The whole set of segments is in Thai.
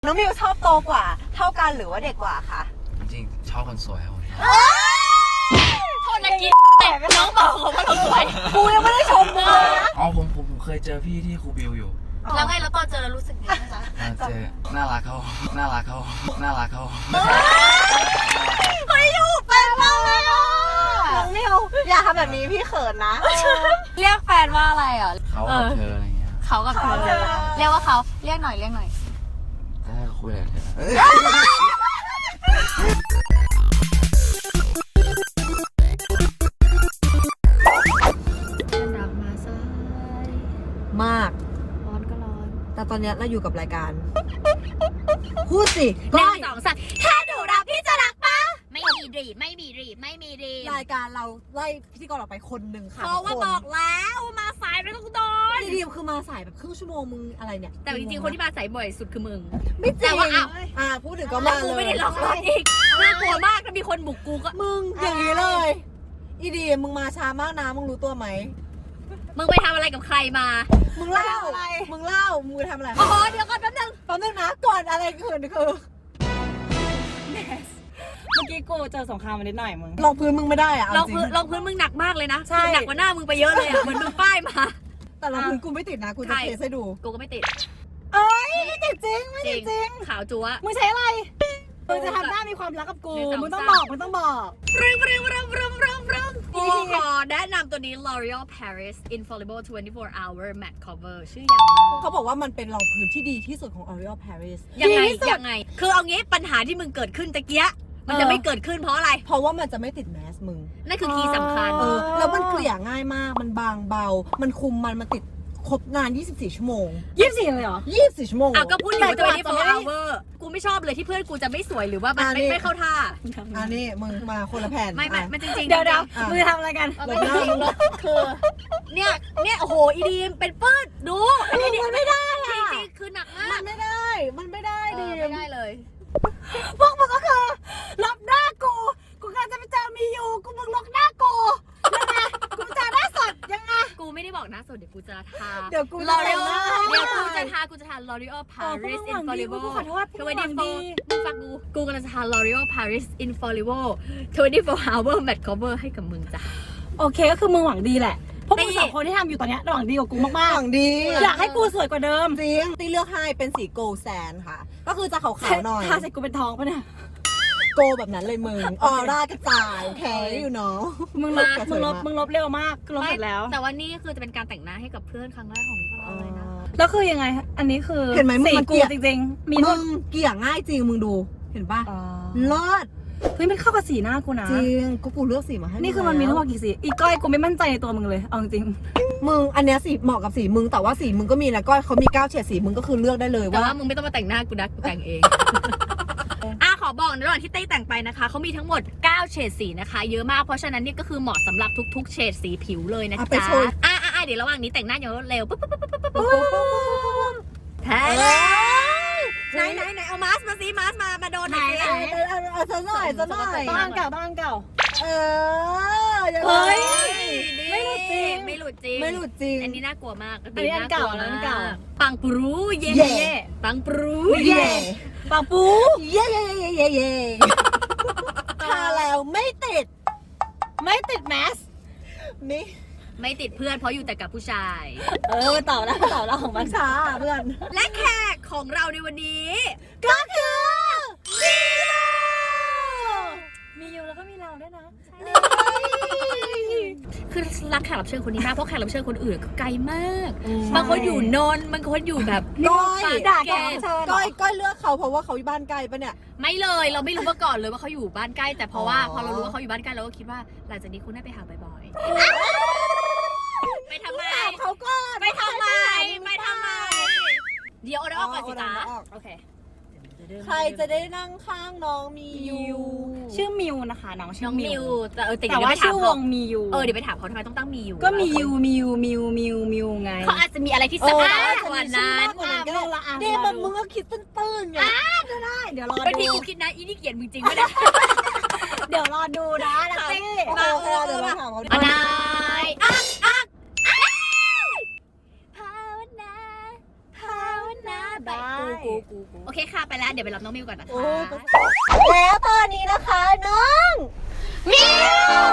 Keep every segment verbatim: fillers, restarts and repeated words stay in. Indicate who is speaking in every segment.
Speaker 1: น้องมิวชอบโตกว่าเท่ากันหรือว่าเด็กกว่าคะ
Speaker 2: จริงชอบคนสวยครับผม
Speaker 3: โทษนะกินแต่น้องบอกว่าเราสวย
Speaker 1: กูยังไม่ได้ชมมึงเลยนะ
Speaker 2: อ๋อผมผมเคยเจอพี่ที่ครูบิวอยู่
Speaker 3: แล้วไงแล้วตอนเจอแล้วรู้สึกยังไงคะ
Speaker 2: เจอน่ารักเขาน่ารักเขาน่ารักเขา
Speaker 1: เฮ้ยอยู่เป็นมากเลยอ่ะน้องมิวอย่าทำแบบนี้พี่เขินนะ
Speaker 3: เรียกแฟนว่าอะไรอ่ะ
Speaker 2: เขากับเธออะไรเงี้ย
Speaker 3: เขากับเธอเรียกว่าเขาเรียกหน่อยเรียกหน่อย
Speaker 2: ถ้าคุยอะไรเธอ
Speaker 1: มาก
Speaker 3: ร้อนก็ร้อน
Speaker 1: แต่ตอนนี้เราอยู่กับรายการพูดสิ
Speaker 3: หนึ่งสองสามถ้าหนูรักพี่จะรักปะไม่มีรีไม่มีรีไม่มีรี
Speaker 1: รายการเราไล่พิธีกรออกไปคนหนึ่งค่ะ
Speaker 3: เพราะว่าบอกแล้วมาสายไม่ต้องโดน
Speaker 1: ดีๆคือมาสายแบบครึ่งชั่วโมงมึงอะไรเนี่ย
Speaker 3: แต่จริงๆคนที่มาสายบ่อยสุดคือมึง
Speaker 1: ไม่จริงแต่ว่าอ่าพูดถึงก็มาเลย
Speaker 3: กูไม่ได้หลอกลวงอีกน่ากลัวมากถ้ามีคนบุกกูก็
Speaker 1: มึงอย่างนี้เลยอีดีมึงมาช้ามากนะมึงรู้ตัวไหม
Speaker 3: มึงไปทำอะไรกับใครมา
Speaker 1: มึงเล่ามึงเล่ามึงทำอะไร
Speaker 3: โอ้โหเดี๋ยวก่อนแป๊บนึง
Speaker 1: แป๊บนึงนะก่อนอะไรคือคือ
Speaker 4: เมื่อกี้กูเจอสงครามมานิดหน่อยมึง
Speaker 1: ลองพื้นมึงไม่ได้อะ
Speaker 3: ลองพื้นลองพื้นมึงหนักมากเลยนะหนักกว่าหน้ามึงไปเยอะเลยอะเหมือนมึงป้ายมา
Speaker 1: แต่ลองพื้นกูไม่ติดนะกูจะเทสให้ดู
Speaker 3: กูก็ไม่ติด
Speaker 1: เอ้ยไม่ติดจริงไม่ติดจริง
Speaker 3: ขาวจั๊ว
Speaker 4: มึงใช้อะไรมึงจะทำหน้ามีความรักกับกูมึงต้องบอกมึงต้องบอก
Speaker 3: รึงรึงรึงรึงรึงรึงกูขอแนะนำตัวนี้ L'Oreal Paris Infallible ยี่สิบสี่ hour matte cover ชื่อยาวมาก
Speaker 1: เขาบอกว่ามันเป็นรองพื้นที่ดีที่สุดของ L'Oreal Paris
Speaker 3: ยังไงยังไงคือเอางี้ปัญหาที่มึงเกิดขึ้นตะเกียมันจะไม่เกิดขึ้นเพราะอะไร
Speaker 1: เพราะว่ามันจะไม่ติดแมสมึง
Speaker 3: นั่นคือคีย์สำคัญ
Speaker 1: เออแล้วมันเกลี่ยง่ายมากมันบางเบามันคุมมันมันติดครบนานยี่สิบสี่ชั่วโมง
Speaker 4: ยี่สิบสี่เลยเหรอ
Speaker 1: ยี่สิบสี่ชั่วโมง
Speaker 3: อ่ะก็พูดอยู่ว่ายี่สิบสี่ hour กูไม่ชอบเลยที่เพื่อนกูจะไม่สวยหรือว่ามันไม่ไม่เข้าท่า
Speaker 1: อันนี้มึงมาคนละแผ่น
Speaker 3: ไม่ไม่มันจริงๆ
Speaker 4: เดี๋ยวเดี๋ยวมึงทำอะไรกัน
Speaker 3: ไม่จริงคือเนี่ยเนี่ยโอ้โหอีดีมเป็นปื้ดดู
Speaker 1: อันนี้มันไม่ได้
Speaker 3: จริงๆคือหนักมาก
Speaker 1: มันไม่ได้มันไม่ได้ดิ
Speaker 3: ไม่ได้เลย
Speaker 4: พวกมึงก็คือลบหน้ากูกูกำลังจะไปเจอมีอยู่กูมึงลบหน้ากูยังไงกูจะหน้าสดยังไง
Speaker 3: กูไม่ได้บอกหน้าสดเดี๋ยวกูจะทา
Speaker 1: เดี๋ยวกู
Speaker 3: L'Oreal เดี๋ยวกูจะทากูจะทา L'Oreal Paris Infallible
Speaker 4: ขอโทษ
Speaker 3: ทเวนตี้โฟร์มึงฟังกูกูกำลังจะทา L'Oreal Paris Infallible ยี่สิบสี่ hour matte cover ให้กับมึงจ้ะ
Speaker 4: โอเคก็คือมึงหวังดีแหละพวกมึงสองคนที่ทำอยู่ตอนนี้หวังดีกว่ากูมากๆ
Speaker 1: หวังดี
Speaker 4: อยากให้กูสวยกว่าเดิม
Speaker 1: จริงตีเลือกให้เป็นสีโกลแซนค่ะก็คือจะขาวๆหน่อย
Speaker 4: ทาใส่กูเป็นทองปะเนี่ย
Speaker 1: โกแบบนั้นเลยมึงออร่ากระจายโอเคอยู่เนาะ
Speaker 4: มึงลบมึงลบมึงลบเร็วมากลบเสร็จแล้ว
Speaker 3: แต่ว่านี่คือจะเป็นการแต่งหน้าให้กับเพื่อนครั้งแรกของพวกเราเลยนะ
Speaker 4: แล้วคือยังไงอันนี้คือ
Speaker 1: เห็นไหมมึงมันเกลี่ย
Speaker 4: จริงๆมี
Speaker 1: มึงเกลี่ยง่ายจริงมึงดูเห็นป่ะรอด
Speaker 4: เฮ้ยมันเข้ากับสีหน้ากูนะ
Speaker 1: จริงกูกูเลือกสีมาให้
Speaker 4: นี่คือมันมีทั้งหมดกี่สีอีก้อยกูไม่มั่นใจในตัวมึงเลยเอาจริง
Speaker 1: มึงอันเนี้ยสีเหมาะกับสีมึงแต่ว่าสีมึงก็มีนะก้อยเขามีเก้าเฉดสีมึงก็คือเลือกได้เลยว่า
Speaker 3: แต่ว่ามึงไม่ต้องมาแต่งหน้ากูนะกูแต่งเองอ่ะขอบอกในระหว่างที่เต้แต่งไปนะคะเขามีทั้งหมดเก้าเฉดสีนะคะเยอะมากเพราะฉะนั้นนี่ก็คือเหมาะสำหรับทุกๆเฉดสีผิวเลยนะจ๊ะอ่ะอ่ะเดี๋ยวระหว่างนี้แต่งหน้าเยอะเร็วปุ๊บปุ๊บปุ๊บปุ๊บปุ๊บแท้ไหนไหนไหนเอามาสมาสิมาสมามาโดนไหน
Speaker 1: เอาเอาซะหน่อยซะหน่อย
Speaker 4: บ้านเก่าบ้านเก่า
Speaker 1: เออ
Speaker 3: เฮ้ยไม่หลุดจริงไม่หลุดจริง
Speaker 1: ไม่หลุดจริง
Speaker 3: อันนี้น่ากลัวมาก
Speaker 4: อันนี้อันเก่าอันเก่า
Speaker 3: ปังปรูเย่ปังปรู
Speaker 1: เย่
Speaker 4: ปังปู
Speaker 1: เย่เย่เย่เย่เย่ทาแล้วไม่ติด
Speaker 4: ไม่ติดแมส
Speaker 1: นี่
Speaker 3: ไม่ติดเพื่อนเพราะอยู่แต่กับผู้ชาย
Speaker 4: เออมาต่อแล้วต่อแล้วของมัน
Speaker 1: ช้าเพื่อน
Speaker 3: และแขกของเราในวันนี้
Speaker 1: ก็คือ
Speaker 4: มีอยู่แล้วก็มีเราด้วยนะ
Speaker 3: คือรักแขกรับเชิญคนนี้มากเพราะแขกรับเชิญคนอื่นไกลมากบางคนอยู่นนท์บางคนอยู่แบบ
Speaker 1: ก้อยด่าแกก้อยก้อยเลือกเขาเพราะว่าเขาอยู่บ้านไกลปะเนี่ย
Speaker 3: ไม่เลยเราไม่รู้มาก่อนเลยว่าเขาอยู่บ้านใกล้แต่เพราะว่าพอเรารู้ว่าเขาอยู่บ้านใกล้เราก็คิดว่าหลังจากนี้คุณได้ไปหาบ่อยๆไปทำไม
Speaker 1: เขาก็
Speaker 3: ไปทำไมไปทำไมเดี๋ยวเอาได้ออกก่อนสิจ๊ะโอเค
Speaker 1: ใครจะได้นั่งข้างน้องมียู
Speaker 4: ชื่อมิวนะคะน้องชื่อมิว
Speaker 3: แต่เออ
Speaker 4: แต่ว่าชื่อวงมียู
Speaker 3: เออเดี๋ยวไปถามเขาทำไมต้องตั้งมียู
Speaker 4: ก็มียูมียูมิวมิวมิวไง
Speaker 3: เขาอาจจะมีอะไรที่สะอาดกว่านั้น
Speaker 1: เดี๋ยวมันมึงก็คิดตื้นๆไง
Speaker 4: ก็ได้เดี๋ยวรอดู
Speaker 3: เป็นพี่กูคิดนะอีนี่เกลียดมึงจริงไม่ได้
Speaker 4: เดี๋ยวรอดูนะลัตตี้
Speaker 1: มาเออเดี๋ยวเราถามเขา
Speaker 3: อะไรอ่ะอ่ะภาวนาภาวนาแบบกูกูกูกูโอเคค่ะไปแล้วเดี๋ยวไปรับน้องมิวก่อนนะคะ
Speaker 1: แล้วตอนนี้นะคะน้องมิว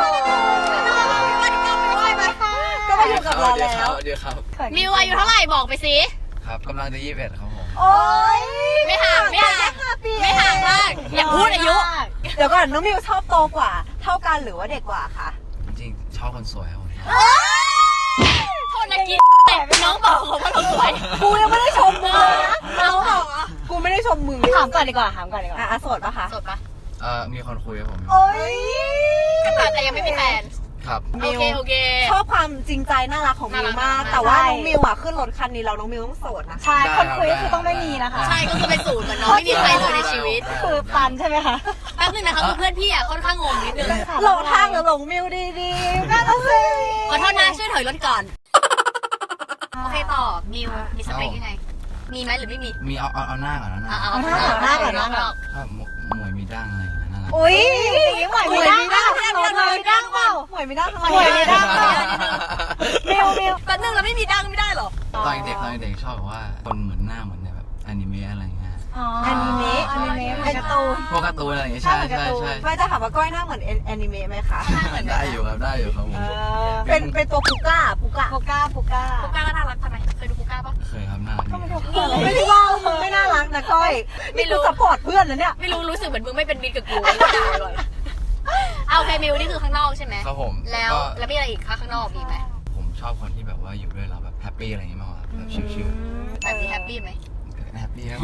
Speaker 1: ก็มาอยู่กับเราแล้ว
Speaker 2: เดี๋ยวครับ
Speaker 3: มิวอายุเท่าไหร่บอกไปสิ
Speaker 2: ครับกำลังจะยี่สิบเอ็ดครับผม
Speaker 1: โอ๊ย
Speaker 3: ไม่ห่างไม่ห่างไม่ห่างมากอย่าพูดอายุ
Speaker 1: เดี๋ยวก่อนน้องมิวชอบโตกว่า เท่ากันหรือว่าเด็กกว่าคะ
Speaker 2: จริงๆชอบคนสวยครับผม
Speaker 3: โทษนะกินแต่น้องบอกว่าเราสวย
Speaker 1: กูยังไม่ได้ชมมึงเลยนะน้องบอกอ่ะกูไม่ได้ชมมึง
Speaker 4: ถามก่อนดีกว่าถามก่อนดีกว่า
Speaker 1: อ่ะโสดปะคะ
Speaker 3: สดปะ
Speaker 2: เอ่อมีคนคุยครับผม
Speaker 1: โอ๊ย
Speaker 3: ก็ถามแต่ยังไม่มีแฟน
Speaker 2: ครับ
Speaker 3: โอเคโอเค
Speaker 1: ชอบความจริงใจน่ารักของมิวมาก
Speaker 3: น่ารัก
Speaker 1: แต่ว่าน้องมิวอ่ะขึ้นรถคันนี้เราน้องมิวต้องโสดนะ
Speaker 4: ใช่คนคุยก็คือต้องไม่มีนะคะ
Speaker 3: ใช่ก็คือเป็นศูนย์เหมือนน้องไม่มีใครเลยในชีวิต
Speaker 4: คือปันใช่ไหมคะ
Speaker 3: แป๊บนึงนะคะคือเพื่อนพี่อ่ะค่อนข้างงงนิดนึง
Speaker 1: หลงทางหรือหลงมิวดีๆนั่นน่ะสิ
Speaker 3: ขอโทษนะช่วยถอยรถก่อนโอเคต่อมิวมีสเปคยังไงมีไหมหรือไม่มี
Speaker 2: มีเอาเอาเอาหน้าก่อนนะหน้า
Speaker 3: เอาหน้าก่อนหน้าก่อนหน้าก่อน
Speaker 2: ถ้าหมหมวยมีดั้งอะไรอย่างเงี้ยน่ารัก
Speaker 1: อุ้ย
Speaker 4: หมวยมีดั้ง
Speaker 1: หมวยมีดั้งเปล่าหมวยมีดั้งทำไม
Speaker 4: หมวยมีดั้งเปล่า มิวมิว
Speaker 3: แป๊บนึงเราไม่มีดังไม่ได้หรอ
Speaker 2: ตอนเด็กตอนเด็กชอบแบบว่าคนเหมือนหน้าเหมือนในแบบอนิเมะอะไรอย่างเงี้ย
Speaker 1: อนิเมะ
Speaker 4: อนิเมะเหมือนการ์ตูน
Speaker 2: พวกการ์ตูนอะไรอย่างเงี้ยใช่ใช่ใช่
Speaker 1: ไม่จะถามว่าก้อยหน้าเหมือนแอนิเมะไหมคะ
Speaker 2: ได้อยู่ครับได้อยู่ครับผม
Speaker 1: เป็นเป็นตัวปูก้าปูก้า
Speaker 4: โปก้าโปก้า
Speaker 3: ปูก้าก็น่ารักทำไมเคยดูปูก้าปะ
Speaker 2: เคยครับน่ารักดี
Speaker 1: ไม่ได้ว่ามึงไม่น่ารักนะก้อย
Speaker 3: ไม่รู้
Speaker 1: นี่กูซัพพอร์ตเพื่อนนะเนี่ย
Speaker 3: ไม่รู้รู้สึกเหมือนมึงไม่เป็นมิตรกับกูไม่ได้เลยเอาโอเคมิวนี่คือข้างนอกใช่ไหม
Speaker 2: ครับผม
Speaker 3: แล้ว
Speaker 2: ก็
Speaker 3: แล้วมีอะไรอีกคะข้างนอกมีไหม
Speaker 2: ผมชอบคนที่แบบว่าอยู่ด้วยเราแบบแฮปปี้อะไรอย่างเงี้ยมากกว่าแบบชิล
Speaker 3: แบบนี้แฮปปี้ไหม
Speaker 2: ๆแฮปปี้ครับ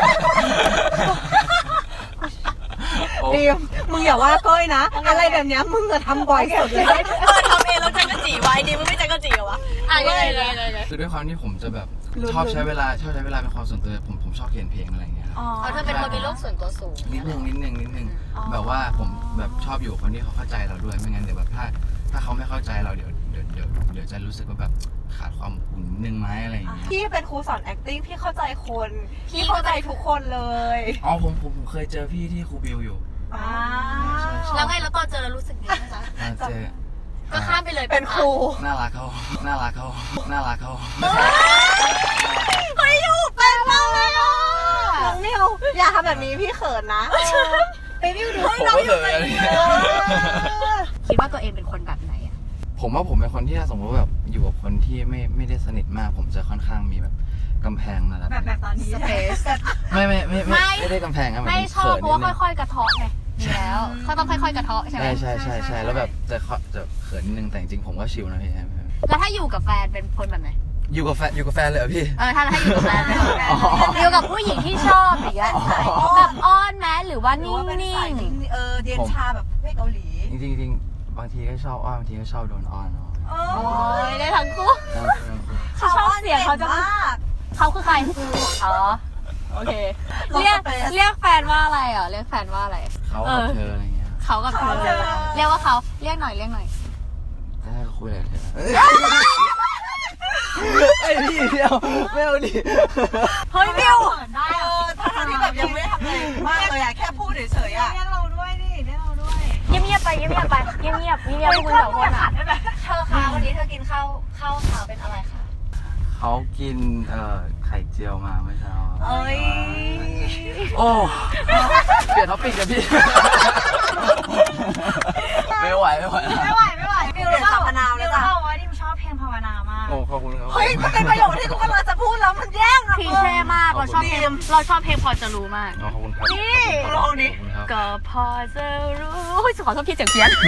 Speaker 1: ดีมมึงอย่าว่าก้อยนะ อะไรแบบเนี้ยมึงจะทำบ่อยสุดเลย
Speaker 3: เออทำเองแล้วจังกะจีไว้ดีมึงไม่จังกะจีเหรอวะอ่ะยังไงยังไงยังไง
Speaker 2: คือด้วยความที่ผมจะแบบชอบใช้เวลาชอบใช้เวลาเป็นความส่วนตัวผมผมชอบเขียนเพลงอะไรอย่างเงี้ยครับ
Speaker 3: เอาเธอเป็นคนมีโลกส่วนตัวสูง
Speaker 2: นิดนึงนิดนึงนิดนึงแบบว่าผมแบบชอบอยู่กับคนที่เขาเข้าใจเราด้วยไม่งั้นเดี๋ยวแบบถ้าถ้าเขาไม่เข้าใจเราเดี๋ยวเดี๋ยวเดี๋ยวเดี๋ยวจะรู้สึกว่าแบบขาดความอบอุ่นนิดนึงไหมอะไรอย่างเงี้ย
Speaker 1: พี่เป็นครูสอน acting พี่เข้าใจคน พี่เข้าใจทุกคนเลย
Speaker 2: อ๋อผมผมผมเคยเจอพี่ที่ครูบิวอยู่
Speaker 1: อ่า
Speaker 3: แล้วไงแล้วตอนเจอแล้วรู้สึกไงคะ
Speaker 2: อ่าเจอ
Speaker 3: ก็ข้ามไปเลย
Speaker 1: เป็นครู
Speaker 2: น่ารักเขาน่ารักเขาน่ารักเขา
Speaker 1: เฮ้ยอยู่เป็นมากเลยอ่ะน้องนิวอย่าทำแบบนี้พี่เขินนะไปวิวดู
Speaker 2: ผมก็เคย
Speaker 3: คิดว่าตัวเองเป็นคนแบบไหนอะ
Speaker 2: ผมว่าผมเป็นคนที่ถ้าสมมติว่าแบบอยู่กับคนที่ไม่ไม่ได้สนิทมาก ผมจะค่อนข้างมีแบบกำแพงระดับ
Speaker 4: แบบแบบตอนนี้
Speaker 3: สเปซ
Speaker 2: ไม่ไม่ไม่ไม่ไม่ได้กำแพงครับ
Speaker 3: ไม่ชอบเพราะว่า
Speaker 2: ค่อย
Speaker 3: ค่อยๆกระเทาะไงมีแล้วเขาต้องค่อยๆกระเทาะใช่ไหม
Speaker 2: ใช่ใช่ใช่ใช่แล้วแบบจะจะเขินนิดนึงแต่จริงๆผมก็ชิลนะพี่
Speaker 3: แล้วถ้าอยู่กับแฟนเป็นคนแบบไหน
Speaker 2: อยู่กับแฟนอยู่กับแฟนเลยเหรอพี่
Speaker 3: เออถ้าถ้าอยู่กับแฟนเป็นคนแบบ
Speaker 2: อ๋อ
Speaker 3: อยู่กับผู้หญิงที่ชอบอย่างเงี้ยแบบอ้อนไหมหรือว่า
Speaker 1: หรือ
Speaker 3: นิ่
Speaker 1: ว่าเป็นสาย
Speaker 3: ง
Speaker 1: นิ่งเออเดียนชาแบบไม่เกาหลี
Speaker 2: จริงๆจริงๆบางทีก็ชอบอ้อนบางทีก็ชอบโดนอ้อนเนาะ
Speaker 1: โอ้
Speaker 3: ๆโอ้ยได้ทั้งคู่
Speaker 1: เขาชอบเสียงเขาจะมาก
Speaker 3: เขาคือใครอ๋อโอเคเรียกเรียกแฟนว่าอะไรอ่ะเรียกแฟนว่าอะไร
Speaker 2: เขากับเธออะไรเงี้ย
Speaker 3: เขากับเธอเรียกว่าเขาเรียกหน่อยเรียกหน่อย
Speaker 2: ถ้าคุยอะไรเธอไอ้พี่เดียวไม่เอาดิ
Speaker 1: เฮ้ยมิวได้เออถ้าทางที่แบบยังไม่ได้ทำอะไรมากเลยอะแค่พูดเฉยๆอะ
Speaker 4: เรียกเราด้วยดิเรียกเราด้วย
Speaker 3: เงียบๆไปเงียบๆไปเงียบๆเงียบๆเงียบๆพวกคุณสองคนอ่ะเธอคะวันนี้เธอกินข้าวข้าวขาวเป็นอะไรคะ
Speaker 2: เขากินเอ่อไข่เจียวมาเมื่อเช้า
Speaker 1: เอ้ย
Speaker 2: โอ้เปลี่ยนท็อปิกกันพี่ไม่ไหวไม่ไหว
Speaker 4: ไม่ไหวไม่ไหว
Speaker 1: มิวเรียนสัมพนาวเลยจ้ะ
Speaker 4: เบอกว่าดิมชอบเพลงภาวนามาก
Speaker 2: โอ้ขอบคุณครับ
Speaker 1: เฮ้ยมันเป็นประโยคที่กูกำลังจะพูดแล้วมันแย่งอะ
Speaker 3: พีเช่มากเราชอบเพลงเราชอบเพลงพอจะรู้มาก
Speaker 2: อ๋อขอบคุณครับ
Speaker 1: นี่ลองดิ
Speaker 2: ขอบคุณครับ
Speaker 3: ก็พอจะรู้โอ้ยขอโทษพี่เสียงเพี้ยน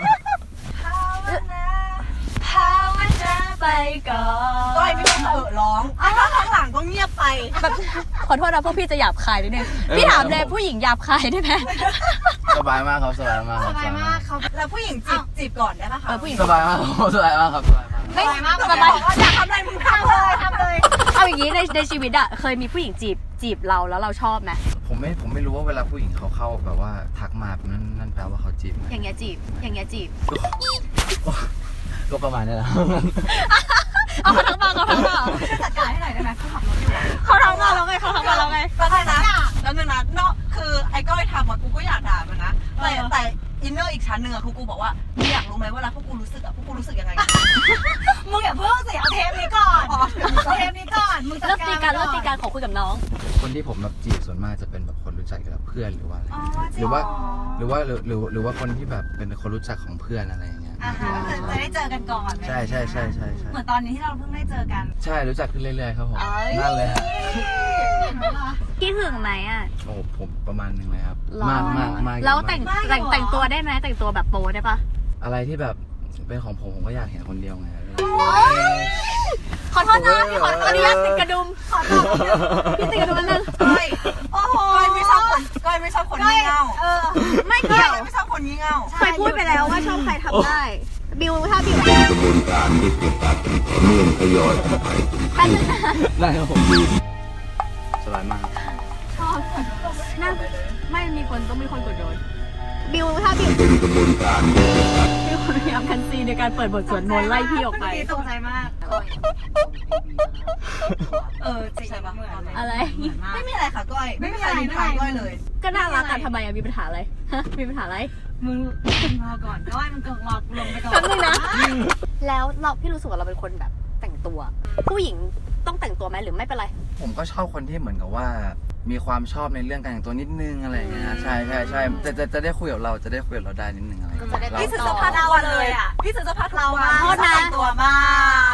Speaker 3: ภาวนาไปก่อน
Speaker 1: ก้อยไม่ต้องเออร้องอ่ะถ้าข้างหลังก็เงียบไป
Speaker 3: แบบขอโทษนะพวกพี่จะหยาบคายนิดนึงพี่ถามเลยผู้หญิงหยาบคายได้ไหม
Speaker 2: สบายมากครับสบายมาก
Speaker 4: สบายมากเขา
Speaker 1: แล้วผู้หญิงจีบจีบก่อนได้ปะคะ
Speaker 3: เออผู้หญิง
Speaker 2: สบายมากสบายมากครับสบายมาก
Speaker 3: ไม่สบาย
Speaker 1: อยากทำอะไรมึงทำเลยทำเลย
Speaker 3: เอาอย่างนี้ในในชีวิตอะเคยมีผู้หญิงจีบจีบเราแล้วเราชอบไหม
Speaker 2: ผมไม่ผมไม่รู้ว่าเวลาผู้หญิงเขาเข้าแบบว่าทักมาแบบนั้นนั่นแปลว่าเขาจีบไหม
Speaker 3: อย่างเงี้ยจีบอย่างเงี้ยจีบ
Speaker 2: ก็ประมาณนี้แหละ
Speaker 3: เอาเขาทั้งมาเขาทั้งมา
Speaker 4: จัดการให้หน่อยได้ไหมเขาขับรถอยู่อะ
Speaker 3: เขาทั้งมาแล้วไงเขาทั้งมาแล้วไง
Speaker 1: แล้วไงนะแล้วนึงนะเนาะคือไอ้ก้อยทำอะกูก็อยากด่ามันนะแต่แต่อินเนอร์อีกชั้นหนึ่งอะคือกูบอกว่ามึงอยากรู้ไหมเวลาพวกกูรู้สึกอะพวกกูรู้สึกยังไง
Speaker 4: มึงอย่าเพิ่งสิเอาเทปนี้ก่อนเอาเทปนี้ก่อนมึงจัด
Speaker 3: เลิก
Speaker 4: การ
Speaker 3: ตีกันเลิกตีกันขอคุยกับน้อง
Speaker 2: คนที่ผมแบบจีบส่วนมากจะเป็นแบบคนรู้จักกับเพื่อนหรือว่าอะไร
Speaker 1: อ๋อ
Speaker 2: หรือว่าหรือว่าหรือหรือหรือว่าคนที่แบบเป็นคนรู้จักของเพื่อนอะไรอย่างเงี้ย
Speaker 4: อ่าฮะก็คือจะได้เจอกันก่อน
Speaker 2: ใช่ใช่ใช่ใช่ใช่
Speaker 4: เหมือนตอนนี้ที่เราเพิ่งได้เจอกัน
Speaker 2: ใช่รู้จักขึ้นเรื่อยๆครับผมนั่นเลยฮะ
Speaker 3: คิดถึงไหมอ่ะ
Speaker 2: โอ้ผมประมาณหนึงเลยครับ
Speaker 3: หรอ
Speaker 2: มากมากมาก
Speaker 3: แล้วแต่ง
Speaker 2: มาก
Speaker 3: แต่งแต่งตัวได้ไหมแต่งตัวแบบโป๊ได้ปะ
Speaker 2: อะไรที่แบบเป็นของผมผมก็อยากเห็นคนเดียวไง
Speaker 3: ขอโทษนะพี่ขออนุญาตติดกระดุมขอโทษพี่ติดกระดุมนั่น
Speaker 1: ก้อยโอ้โหก้อยไม่ชอบคนก้อยไม่ชอบคนงี่เง่า
Speaker 4: เออ
Speaker 3: ไม่
Speaker 1: ก้
Speaker 3: เกี่
Speaker 1: อย
Speaker 3: ยว
Speaker 1: ไม่ชอบคนงี่เง่า
Speaker 3: เคยพูดไปแล้วว่าชอบใครทำได้ บิวถ้าบิว
Speaker 5: กระบวนการที่เกิดการเป็นต่อเนื่องทยอยออกไป
Speaker 3: แป๊บนึงนะ
Speaker 2: ได้ครับผมสบายมาก
Speaker 3: ชอบน่าไม่มีคนต้องมีคนกดโดนบิวถ้าบิว
Speaker 5: เป็นกระบวนการที่เกิดการ
Speaker 3: บิวพยายามคันซีในการเปิดบทสวดมนต์ไล่พี่ออกไป
Speaker 4: ตกใจมากเออจริงเหมือนเลย
Speaker 3: อะไร
Speaker 4: เหมือนมาก
Speaker 1: ไม่มีอะไรค่ะก้อยไม่มีใครนินทาก้อยเลย
Speaker 3: ก็น่ารักกันทำไมอะมีปัญหาอะไรฮะมีปัญหาอะไร
Speaker 4: มึงรอก่อนก็ว่ามึงรอลงไปก่อน
Speaker 3: แป๊บนึงนะ แล้วเราพี่รู้สึกว่าเราเป็นคนแบบแต่งตัว ผู้หญิงต้องแต่งตัวไหมหรือไม่เป็นไร
Speaker 2: ผมก็ชอบคนที่เหมือนกับว่า มีความชอบในเรื่องการแต่งตัวนิดนึงอะไรอย่างเงี้ยใช่ใช่ใช่จะจะจะได้คุยกับเราจะได้คุยกับเราได้นิดนึงอะไรอย่าง
Speaker 3: ก็จะได้
Speaker 2: เงี้ย
Speaker 1: พี่ซื้อ
Speaker 2: เรา
Speaker 1: เสื้อผ้าทุกวันเลยอ่ะพี่ซื้อเสื้อผ้าทุกวัน
Speaker 3: โทษนะ
Speaker 1: แต่งตัวมาก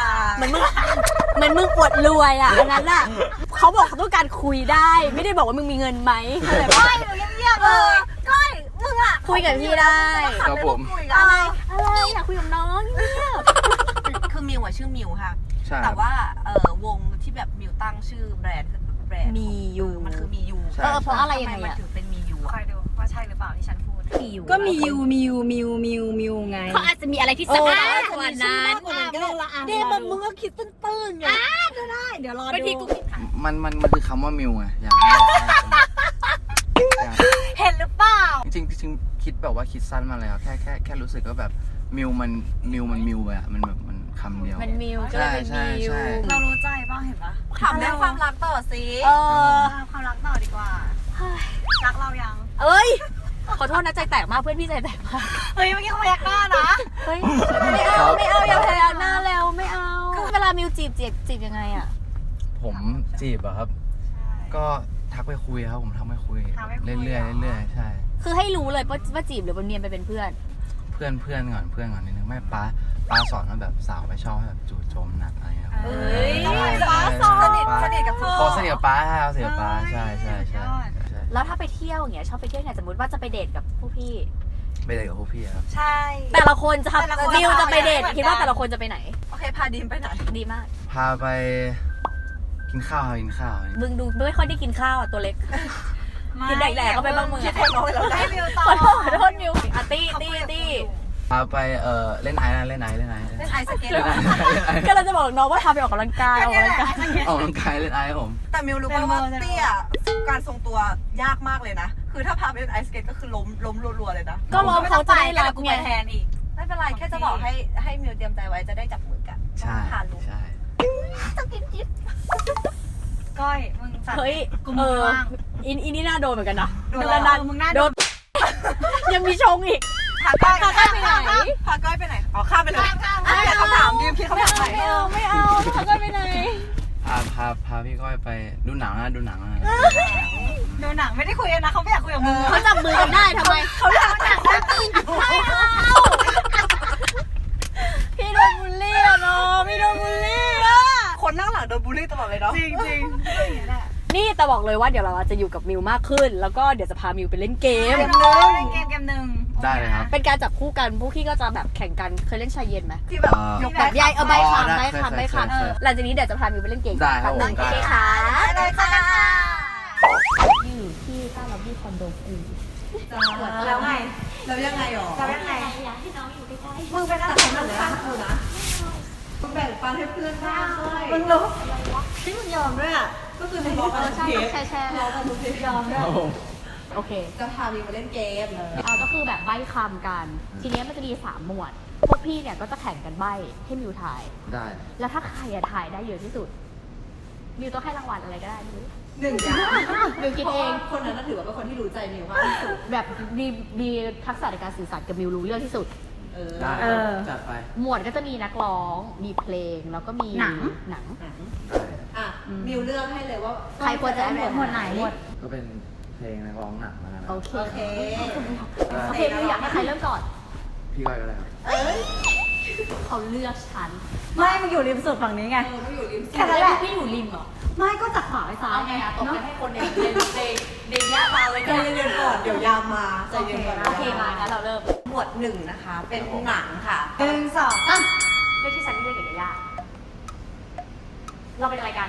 Speaker 3: เหมือนมึงเหมือนมึงอวดรวยอ่ะอันนั้นอ่ะเขาบอกเขาต้องการคุยได้ ไม่ได้บอกว่ามึงมีเงินไหมเข้าใจปะ
Speaker 1: เงียบๆเลยก้อยมึงอ่ะ
Speaker 3: คุยกับพี่ได้
Speaker 2: ครับผม
Speaker 3: อะไรอะไรอยากคุยกับน้องเนี่ย
Speaker 1: คือมิวอะชื่อมิวค่ะ
Speaker 2: ใช่
Speaker 1: แต่ว่าเออวงที่แบบมิวตั้งชื่อแบรนด์คือแบรนด์
Speaker 3: มีอยู่
Speaker 1: มันคือมียู
Speaker 2: ใช่
Speaker 3: เออเพราะอะไรยังไง
Speaker 1: ทำมมัน
Speaker 3: อะ
Speaker 1: ถึงเป็นมียู
Speaker 4: คอยดูว่าใช่หรือเปล่าที่ฉันพูด
Speaker 3: มีอยู่
Speaker 4: ก็มียูมียูมิวมิวมิวไง
Speaker 3: เขาอาจจะมีอะไรที่สะอาดกว่านั้น
Speaker 4: เดมันมึงก็คิดตื้นๆไงก็ได้เดี๋ยวรอดู
Speaker 3: บางทีกูคิด
Speaker 2: มันมันมันคือคำว่ามิวไงอยากให้อยาก
Speaker 4: เห็นหรือเปล่า
Speaker 2: จริงๆจริงๆคิดแบบว่าคิดสั้นมาแล้วแค่แค่แค่รู้สึกว่าแบบมิวมันมิวมันมิวไปอะมันแบบมันคำเดียว
Speaker 3: มันมิวก็เลยเป็น
Speaker 2: ใช่
Speaker 3: มิว
Speaker 2: ใช่
Speaker 4: เรารู้ใจป่ะเห็นปะ
Speaker 1: ถามเรื่องความรักต่อสิ
Speaker 3: เออ
Speaker 4: ความรักต่อดีกว่า รักเรายัง
Speaker 3: เอ้ย ขอโทษนะใจแตกมากเพื่อนพี่ใจแตกมาก
Speaker 4: เฮ้ยเมื่อกี้เขาพยักหน้านะ
Speaker 3: เฮ้ยไม่เอาไม่เอาอย่าพยายามหน้าแล้วไม่เอาเวลามิวจีบจีบจีบยังไงอ่ะ
Speaker 2: ผมจีบอะครับ ก็ทักไปคุยครับผมทักไปคุยเรื่อยๆเรื่อยๆใช่
Speaker 3: คือให้รู้เลยว่าว่าจีบหรือว่าเนียนไปเป็นเพื่อน
Speaker 2: เพื่อนเพื่อนก่อนเพื่อนก่อนนิดนึงไม่ป้าป้าสอนว่าแบบสาวไม่ชอบให้แบบจู่โจมหนักอะไรอย่างเงี้ย
Speaker 3: เอ้ย
Speaker 1: ป้าสอนสนิทสนิทกับเธอ
Speaker 2: พอสนิทกับป้าใช่สนิทกับป้าใช่ใช่ใช่ใช่
Speaker 3: แล้วถ้าไปเที่ยวอย่างเงี้ยชอบไปเที่ยวไหนสมมติว่าจะไปเดทกับผู้พี่
Speaker 2: ไปเดทกับพวกพี่ครับ
Speaker 1: ใช่
Speaker 3: แต่ละคนจะ
Speaker 1: แต่ละคน
Speaker 3: มิวจะไปเดท
Speaker 1: ไม่เหมือนกัน
Speaker 3: คิดว่าแต่ละคนจะไปไหน
Speaker 1: โอเคพาดีมไปไหน
Speaker 3: ดีมาก
Speaker 2: พาไปกินข้าวกินข้าว
Speaker 3: มึงดูไม่ค่อยได้กินข้าวอ่ะตัวเล็ก กินแดกๆก็ไปบ้างมึง
Speaker 1: คิด
Speaker 3: อะ
Speaker 1: แทนน้องไปแล้วนะ
Speaker 4: ให้มิวต่อ
Speaker 3: ขอโทษขอโทษมิวอ่ะตี้ตี้ตี้
Speaker 2: พาไปเอ่อเล่นไอซ์นะเล่นไอซ์เล่นไอซ์
Speaker 1: เล่นไอซ์สเก็ต
Speaker 2: เล่นไอซ์เล่นไอซ์
Speaker 3: ก็เราจะบอกน้องว่าทำไปออกกำลังกายออกกำลังกาย
Speaker 2: ออกกำลังกายเล่นไอซ์ครับผม
Speaker 1: แต่มิวรู้ป่ะว่าเตี้ยการทรงตัวยากมากเลยนะ คือถ้าพาไปเล่นไอซ์สเก็ตก็คือล้มล้มรัวๆเลยนะ
Speaker 3: ก็รอเขาจะได้รับ
Speaker 4: กู
Speaker 3: ไง
Speaker 4: ไปแทนอีก
Speaker 1: ไม่เป็นไรแค่จะบอกให้ให้มิวเตรียมใจไว้จะได้จับมือกัน
Speaker 2: ใช่
Speaker 1: ผ่านลุก
Speaker 2: ใช่
Speaker 4: ก้อย มึงจัด
Speaker 3: เฮ้ย
Speaker 4: กู
Speaker 3: เอ
Speaker 4: มือ
Speaker 3: อ
Speaker 4: ว่าง
Speaker 3: อินอินนี่น่าโดนเหมือนกันนะ
Speaker 4: โดน
Speaker 3: แล้ว
Speaker 4: แล้วมึงน่าโดน
Speaker 3: ยังมีชงอีก
Speaker 1: พาก้อย
Speaker 3: พาก้อยไปไหน
Speaker 1: พาก้อยไปไหนอ๋อข้ามไปเลยไม่แต่คำถามดิมพี่เขาถามใหม่
Speaker 3: ไม่เอาไม่เอาพาก้อยไปไหน
Speaker 2: พาพาพาพี่ก้อยไปดูหนังนะดูหนังนะ
Speaker 4: ดูหนังไม่ได้คุยกันนะ เขาไม่อยากคุยกับมึง
Speaker 3: เขาจับมือกันได้ทำไม
Speaker 4: เขาอยากจับมือกัน
Speaker 3: ไม่เอาพี่โดนบูลลี่อะน้องพี่โดนบูลลี่อะ
Speaker 1: คนนั่งหลังโดนบูลลี่ตลอดเลยเนาะ
Speaker 4: จริงจริงอย่างนี้แหละ
Speaker 3: นี่แต่บอกเลยว่าเดี๋ยวเราจะอยู่กับมิวมากขึ้น แล้วก็เดี๋ยวจะพามิวไปเล่นเกม
Speaker 4: เกมหนึ่งเล่นเกมเกมหนึ่ง
Speaker 2: ได้เลยครับ
Speaker 3: เป็นการจับคู่กันพวกพี่ก็จะแบบแข่งกันเคยเล่นชายเย็นไหม
Speaker 1: ที่แบบ
Speaker 2: อ่า
Speaker 1: ยก
Speaker 3: แบบยายเอาใบ
Speaker 2: อ๋อ
Speaker 3: คำ
Speaker 2: ได้
Speaker 3: ใบ
Speaker 2: เคย
Speaker 3: คำใบ
Speaker 2: เคยเคย
Speaker 3: คำหลังจากนี้เดี๋ยวจะพามิวไปเล่นเกม
Speaker 2: ได้ครับผม
Speaker 3: โอ
Speaker 2: ได้
Speaker 3: เคค่ะ
Speaker 1: ได้เลยค่ะ
Speaker 3: อยู่ที่ใต้ล็อบบี้คอนโดกู
Speaker 4: แล้วไง
Speaker 1: แล้วยังไงหรอ
Speaker 4: แล้วยังไง
Speaker 3: อยากให้น้องอยู่ใกล้
Speaker 4: มึงเป็นอะไรของมึงข้างกูนะ
Speaker 1: มึงแบ่งปันให้เพื่อนบ้างเลย
Speaker 4: มึงรู้ที่มึงยอมด้วยอ่ะ
Speaker 1: ก็คือมึงบอกกันทุกเทป
Speaker 3: ๆแชร์แชร์
Speaker 1: บอกกันทุกเทปยอม
Speaker 2: ครับผม
Speaker 3: โอเค
Speaker 1: จะพามิวมาเล่นเกม
Speaker 3: อ่าก็คือแบบใบ้คำกัน ทีเนี้ยมันจะมีสามหมวด พวกพี่เนี่ยก็จะแข่งกันใบ้ให้มิวถ่าย
Speaker 2: ได้
Speaker 3: แล้วถ้าใครอะถ่ายได้เยอะที่สุด มิวต้องให้รางวัลอะไรก็ได้ไม่รู้
Speaker 1: หนึ่งอย่าง
Speaker 3: มิวคิดเอง
Speaker 1: คนนั้นน่ะถือว่าเป็นคนที่รู้ใจมิวมากที่สุด
Speaker 3: แบบมีมีทักษะในการสื่อสารกับมิวรู้เรื่องที่สุด
Speaker 1: เออ
Speaker 2: ได้
Speaker 4: เออ
Speaker 2: จัดไป
Speaker 3: หมวดก็จะมีนักร้อง มีเพลง แล้วก็มี
Speaker 4: หนัง
Speaker 3: หนัง
Speaker 1: หนังอ่ะมิวเลือกให้เลยว่า
Speaker 3: ใครควรจะได้หมวด
Speaker 4: หมวดไหนหมวด
Speaker 2: ก็เป็นเพลงนักร้องหนังแล้วกันนะ
Speaker 3: โอเค
Speaker 1: โอเค
Speaker 3: โอเคมิวอยากให้ใครเริ่มก่อน
Speaker 2: พี่ก้อยก็ได้ครับ
Speaker 1: เอ้ย
Speaker 3: เขาเลือกฉัน
Speaker 4: ไม่มึงอยู่ริมสุดฝั่งนี้ไง
Speaker 1: เออไม่อยู่ริม
Speaker 4: แค่นั้นแหละ
Speaker 3: พี่อยู่ริมเหรอ
Speaker 4: ไม่ก็จากขวาไปซ้าย
Speaker 3: เอาไงอะตบ
Speaker 4: เนาะ
Speaker 3: กันให้คนในในในในยะมาเลย
Speaker 1: ใจเย็นๆก่อนเดี๋ยวยามมาใจเย็นก่อน
Speaker 3: โอเคมางั้นเราเริ่ม
Speaker 1: หมวดหนึ่งนะคะ เป็นหนังค่ะ
Speaker 4: หนึ่งสอง
Speaker 3: อ่ะเลือกที่ฉันเลือกกับยาย่าเราเป็นอะไรกัน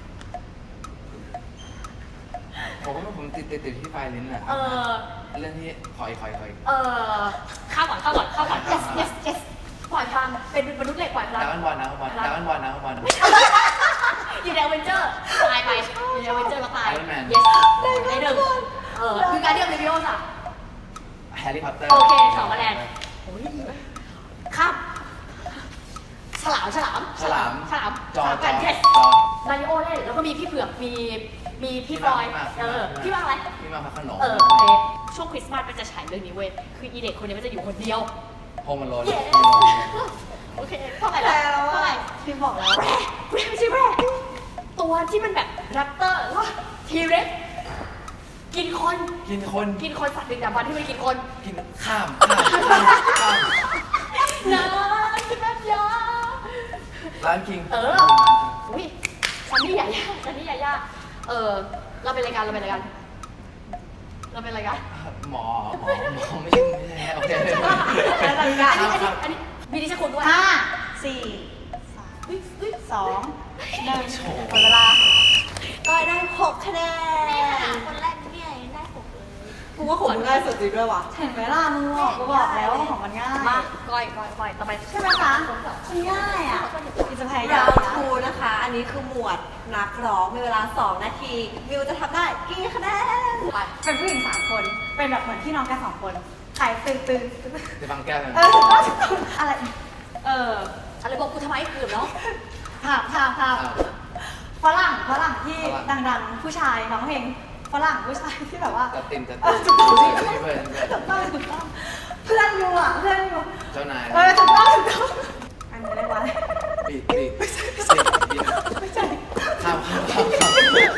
Speaker 2: ผมว่าผมติดติดติดที่ไฟลิ้นอ่ะ
Speaker 3: เออ
Speaker 2: เรื่องที่คอยคอยคอย
Speaker 3: เออเข้าก่อนเข้าก่อนเข้าก่อน yes yes yes ปล่อยพลังเป็นมนุษย์เหล็กปล่อยพลัง
Speaker 2: ดาวน์วันนะวันดาวน์วันนะวัน
Speaker 3: อยู่ในอเวนเจอร์ตายไปอยู่ในอเวนเจอร์แล้วตาย
Speaker 2: Iron Man
Speaker 3: yes ไอ้หนึ่งเออคือการเดียมเลวิโอสอะ
Speaker 2: แฮร์รี่พอตเตอร์
Speaker 3: โอเคสองคะแนนโอ้ยครับฉลามฉลาม
Speaker 2: ฉลาม
Speaker 3: ฉลาม
Speaker 2: จอ
Speaker 3: ฉลาม
Speaker 2: จ
Speaker 3: กั
Speaker 2: อน
Speaker 3: เทส
Speaker 2: จอ
Speaker 3: มาริโอเล่นแล้วก็มีพี่เผือกมีมีพี่ฟลอยด์เออพี่ว่าอะไร
Speaker 2: พี่มาพักขนม
Speaker 3: เออโอเคช่วงคริสต์มาสมันจะฉายเรื่องนี้เว้ยคืออีเด็กคนนี้มันจะอยู่คนเดียว
Speaker 2: โฮมมันโลน
Speaker 3: เย้โอเคเท่าไหร่แล้วเท่าไหร่
Speaker 1: พี่บอกแล้ว
Speaker 3: แร่แร่ไม่ใช่แร่ตัวที่มันแบบแรปเตอร์ว่าทีเร็กกินคน
Speaker 2: กินคน
Speaker 3: กินคนสัตว์ดึกดำบรรพ์ที่มันกินคน
Speaker 2: กินข้ามข้ามข้ามข้าม
Speaker 3: นะกินแบบยา
Speaker 2: ร้านคิง
Speaker 3: เอออุ้ยซันนี่ยาย่าซันนี่ยาย่าเออเราเป็นรายการเราเป็นรายการเราเป็นรายการ
Speaker 2: หมอหมอหมอไม่ใช่ไม่ใช่โอเค
Speaker 3: อันนี้อันนี้อันนี้มีดิฉันคุณด้วย
Speaker 4: ห้าสี่
Speaker 3: อุ๊ยอุ๊ย
Speaker 4: สองหนึ่ง
Speaker 2: โชว์
Speaker 4: หมดเวลา
Speaker 1: ก้อยได้หกคะแนน
Speaker 3: คนแรกเนี่ยได้หกเลย
Speaker 1: กูว่าของมึงง่ายสุดจริงด้วยว่ะ
Speaker 4: เห็นไหมล่ะมึงบอกกูบอกแล้วว่าของมันง่าย
Speaker 3: มาก้อยก้อยก้อยต่อไป
Speaker 4: ใช่ไหมคะมันง่ายอ่ะกินจะพยายาร
Speaker 1: าม ว
Speaker 4: นะ
Speaker 1: ทูนะคะ อันนี้คือหมวดนักร้องมีเวลาสองนาทีมิวจะทำได้กี่คะแนน
Speaker 3: ไป
Speaker 4: เป็นผู้หญิงสามคน เป็นแบบเหมือนพี่น้องกันสองคนขายตึงตึง
Speaker 2: จะฟังแก้วกัน
Speaker 4: เออถูกต้องถูกต้องอะไร เออ
Speaker 3: อะไรบอกกูทำไมเกือบเนาะ
Speaker 4: ภาพภาพภาพฝรั่งฝรั่งที่ดังๆ ผู้ชายร้องเพลงฝรั่งผู้ชายที่แบบว่า
Speaker 2: จะตินจะ
Speaker 4: เอ
Speaker 2: ติ
Speaker 4: อน ถูกต้อง
Speaker 2: เพื่อนเพื่อน
Speaker 4: ถูกต้องถูกต้องเพื่อนอยู่อ่ะเพื่อนอยู่
Speaker 2: เจ้านาย
Speaker 4: เออถูกต้องถูกต้องอันนี้เรียกว่าอะไร
Speaker 2: ปีกปีกปีกปีก
Speaker 4: ไม่ใช่
Speaker 2: ข้ามข้ามข้ามข้าม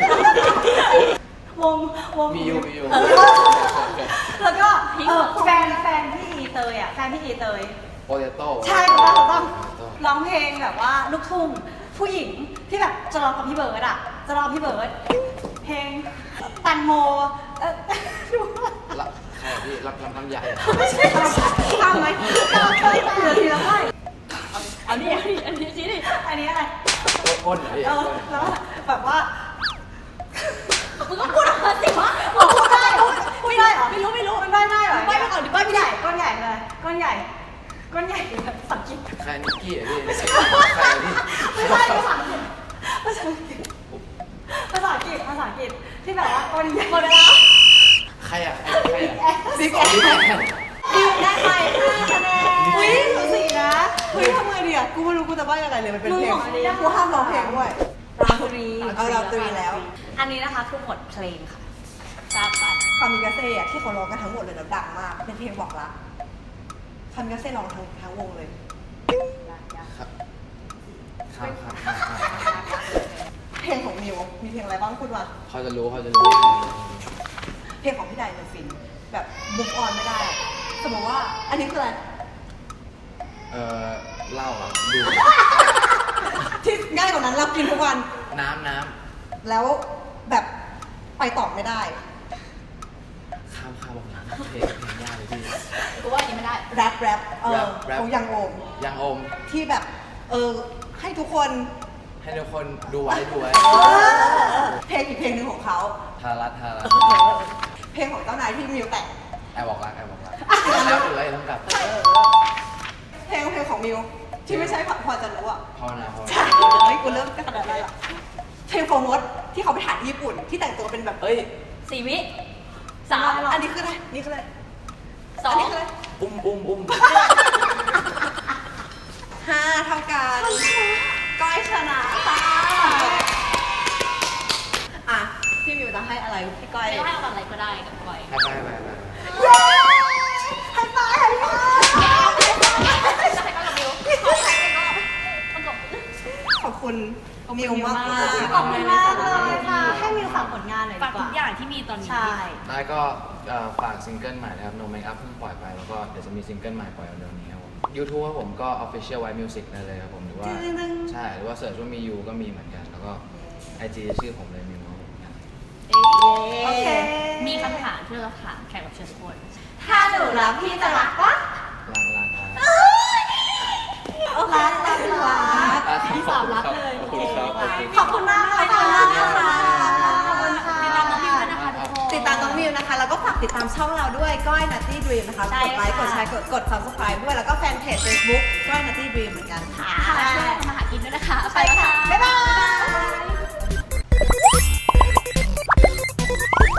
Speaker 4: วงวง
Speaker 2: มีอยู่มีอยู่
Speaker 4: แล้วก็เออแฟนแฟนพี่อีเตยอ่ะแฟนพี่อีเตย
Speaker 2: โปเตโต้
Speaker 4: ใช่ถูกต้องถูกต้องร้องเพลงแบบว่าลูกทุ่งผู้หญิงที่แบบจะร้องกับพี่เบิร์ดอ่ะจะร้องพี่เบิร์ดเพลงแตังโมเออดูว่า
Speaker 2: รับใครพี่รับลำลำใหญ่
Speaker 4: ไม่ใช่ทำไหมทำเคยเหลือทีละไม่
Speaker 3: อันนี้อันนี้อันนี้ชี้ดิ
Speaker 4: อันนี้อะไร
Speaker 2: ก้นเหรอพี่
Speaker 4: เออแล้วแบบว่า
Speaker 3: มึงก็พูดออกมาสิวะ
Speaker 4: บอกพูดได้เหรอพูดได้เหรอ
Speaker 3: ไม่รู้ไม่รู้
Speaker 4: มันได้ได้เหรอ
Speaker 3: ใบ้ไปก่อนดิใบ้ไม่ได้
Speaker 4: ก้อนใหญ่เลยก้อนใหญ่ก้อนใหญ่แบบสังกิต
Speaker 2: ใครนิกกี้อ่ะพี่ใครพี่
Speaker 4: ไม่ใช่ภาษาอังกฤษภาษาอังกฤษภาษาอังกฤษภาษาอังกฤษที่แบบว่าก้อนใหญ่
Speaker 3: หมดเวลา
Speaker 2: ใครอ่ะใครอ่ะ
Speaker 1: บิ๊กแอนได้ไปห้าคะแนน
Speaker 4: อุ้ยสูสีนะ
Speaker 1: เฮ้ยทำไงดีอ่ะกูไม่รู้กูจะว่ายังไงเลยมันเป็นเพลง
Speaker 4: มึงบอกอันนี้
Speaker 1: กูห้ามร้องเพลงด้วย
Speaker 4: ราตรี
Speaker 1: เอาราตรีแล้ว
Speaker 4: อันนี้นะคะคือหมวดเพลงค่ะ
Speaker 3: ทราบไป
Speaker 1: คามิกาเซ่อะที่เขาร้องกันทั้งหมดเลยแล้วดังมาก เป็นเพลงบอกรักคามิกาเซ่ร้องทั้งทั้งวงเลย
Speaker 2: ครับครับครับ
Speaker 1: เพลงของมิวมีเพลงอะไรบ้างพูดมา
Speaker 2: เขาจะรู้เขาจะรู้
Speaker 1: เพลงของพี่ใดเป็นฟินแบบบุกออนไม่ได้ สมมติว่า อันนี้คืออะไร
Speaker 2: เอ่อเหล้าอ่ะดู
Speaker 1: ที่ง่ายกว่านั้นเรากินทุกวัน
Speaker 2: น้ำน้
Speaker 1: แล้วแบบไปต่อไม่ได้
Speaker 2: ำข้ามข้ามบอกน้ำเพลงเพลงยากเลยพี่
Speaker 3: กูว่าอันนี้ไม่ได้
Speaker 1: แรปแรปเออ
Speaker 2: Rap Rap
Speaker 1: ของยังโอม
Speaker 2: ยังอม
Speaker 1: ที่แบบ เออ ให้ทุกคน
Speaker 2: ให้ทุกคนดูไว้ดูไว้
Speaker 1: เพลงอีกเพลงหนึ่งของเขา
Speaker 2: ทารัตทารัต
Speaker 1: เพลงของเจ้านายที่มิวแต่ง
Speaker 2: แอบบอกรักแอบบอกรักแล้วดูไว้ต้องกลับ
Speaker 1: เพลงเพลงของมิวที่ไม่ใช่พอจะรู้อ่ะ
Speaker 2: ภาวนาภาว
Speaker 1: ใช่
Speaker 2: นา
Speaker 1: เฮ้ยกูเริ่มกระดาษอะไรอ่ะเพลงโฟมดที่เขาไปถ่ายที่ญี่ปุ่นที่แต่งตัวเป็นแบบ
Speaker 2: เอ้ย
Speaker 3: สี่วิสาม
Speaker 1: อันนี้คืออะไรนี่คืออะไร
Speaker 3: สอ
Speaker 1: อัน
Speaker 3: ง
Speaker 1: นี้คืออะไร
Speaker 2: อุ้มอุ้มอุ้ม
Speaker 1: ห้าเท่ากันก้อยชนะค่ะอ่ะพี่วจะให้อะไรพี่ก้อย
Speaker 3: ไม่ให้เอาอะไรก็ได้กับก้อย
Speaker 2: ไปไปไปไป
Speaker 1: เย้ให้ไปให้ไป ขอบคุณมิวมากมาก
Speaker 4: ขอบคุณมากเลยค่ะ ให้มิวฝากผลงานหน่อยดี
Speaker 3: ฝาก
Speaker 4: ก
Speaker 3: ทุ
Speaker 4: ว่า
Speaker 3: กอย่างที่มีตอนนี้
Speaker 4: ใช่
Speaker 2: ได้ก็เอ่อฝากซิงเกิลใหม่นะครับ No Make Up เพิ่งปล่อยไปแล้วก็เดี๋ยวจะมีซิงเกิลใหม่ปล่อยเร็วๆนี้ครับผม YouTube ครับผมก็ Official White Music ได้เลยครับผมหรือว่า
Speaker 4: จริงๆ
Speaker 2: ใช่หรือว่าเสิร์ชว่ามียูก็มีเหมือนกัน แล้วก็ ไอ จี ชื่อผมเลยมิวครับผม
Speaker 4: โอเค
Speaker 3: มีคำถามที่เราถามแขกรับเชิญทุกคน
Speaker 1: ถ้าหนูรักพี่จะรักปะ
Speaker 2: ลาลาลา
Speaker 1: รักรักรัก
Speaker 2: ที่สามรักเลยขอบคุณครับ
Speaker 1: ขอบคุณมากเลยค่ะ
Speaker 4: ขอบคุณค่ะ
Speaker 3: ติดตามน้องมิวด้วยนะคะทุกคน
Speaker 1: ติดตามน้องมิวนะคะ แล้วก็ฝากติดตามช่องเราด้วยก้อย Nutty Dream นะคะ
Speaker 3: ใช่
Speaker 1: กดไลค์ ก
Speaker 3: ค่ะ
Speaker 1: ดแชร์ กดกด subscribe ด้วย แล้วก็แฟนเพจ Facebook ก้อย Nutty Dream เหมือนกันค่ะ
Speaker 3: ค่ะช่วยทำมาหากินด้วยนะคะ
Speaker 1: ไปค่ะ บ๊ายบาย
Speaker 3: บ๊ายบาย